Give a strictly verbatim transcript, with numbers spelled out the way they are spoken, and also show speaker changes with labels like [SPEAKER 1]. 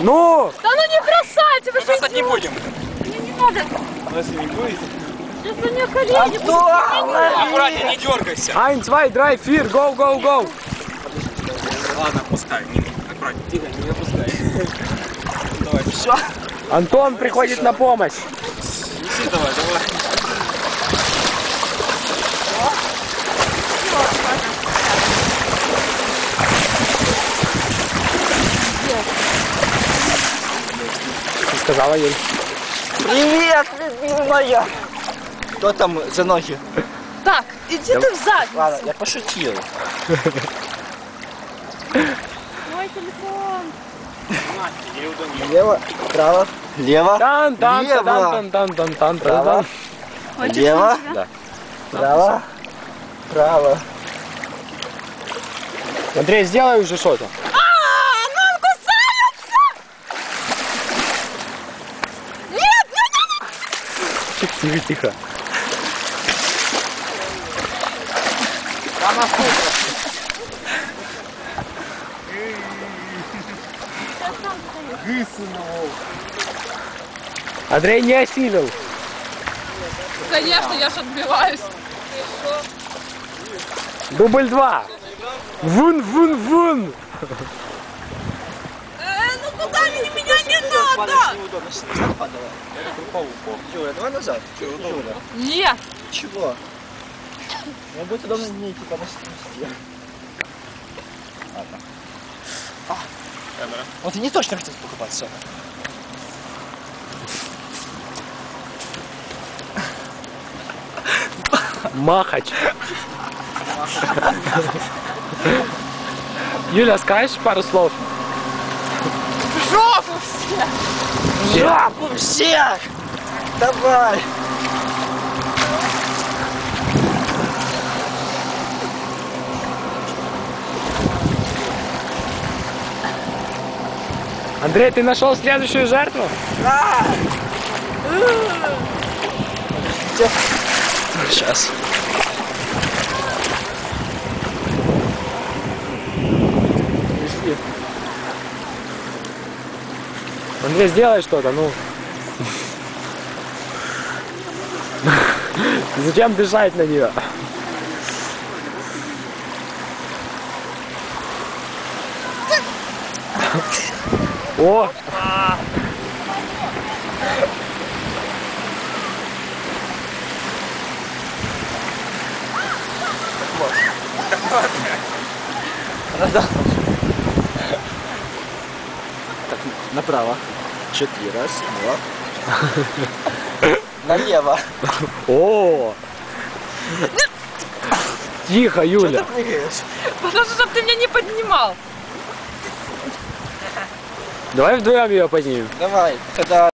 [SPEAKER 1] Ну!
[SPEAKER 2] Да ну не бросайте, вы
[SPEAKER 3] Мы бросать не будем.
[SPEAKER 2] Мне не надо.
[SPEAKER 3] Но если не будете...
[SPEAKER 2] Сейчас у меня колени будут.
[SPEAKER 3] Аккуратнее, не дергайся.
[SPEAKER 1] Ein, zwei, drei, vier, go, go, go!
[SPEAKER 3] Ладно, пускай. Аккуратнее. Тихо, не опускай. Давай, все.
[SPEAKER 1] Антон приходит на помощь.
[SPEAKER 3] Неси давай, давай.
[SPEAKER 1] Ты сказала, Юль?
[SPEAKER 4] Привет, любимая! Кто там за ноги?
[SPEAKER 2] Так, иди ты в задницу.
[SPEAKER 4] Ладно, я пошутил.
[SPEAKER 2] Мой телефон.
[SPEAKER 4] Лево, право, лево,
[SPEAKER 1] Тан, тан,
[SPEAKER 4] лево,
[SPEAKER 1] тан, тан, тан, тан,
[SPEAKER 4] право,
[SPEAKER 1] тан.
[SPEAKER 4] лево,
[SPEAKER 1] Да.
[SPEAKER 4] право, право.
[SPEAKER 1] Андрей, сделай уже что-то.
[SPEAKER 2] А, ну он кусается! Нет, нет, нет!
[SPEAKER 1] Тихо, тихо.
[SPEAKER 4] Мама, сука.
[SPEAKER 1] Андрей не осилил.
[SPEAKER 2] Конечно, я ж отбиваюсь.
[SPEAKER 1] Дубль два. Вун, вун, вун.
[SPEAKER 2] Э, ну куда мне меня не надо?
[SPEAKER 4] Неудобно, назад падала. Юля, давай назад. Юля.
[SPEAKER 2] Нет.
[SPEAKER 4] Чего? Мне будет удобно не типа на стене. Ладно. А. Вот ты не точно хотел покупаться.
[SPEAKER 1] Махач. Юля, скажешь пару слов?
[SPEAKER 2] В жопу все.
[SPEAKER 4] В жопу всех! Давай!
[SPEAKER 1] Андрей, ты нашел следующую жертву?
[SPEAKER 4] А! Сейчас.
[SPEAKER 1] Андрей, сделай что-то, ну. Зачем дышать на нее? О!
[SPEAKER 4] Так, направо. Четыре. Раз, два. Налево.
[SPEAKER 1] О! Тихо,
[SPEAKER 4] Что
[SPEAKER 1] Юля.
[SPEAKER 4] ты прыгаешь?
[SPEAKER 2] Потому что ты меня не поднимал.
[SPEAKER 1] Давай вдвоем ее поднимем.
[SPEAKER 4] Давай, когда...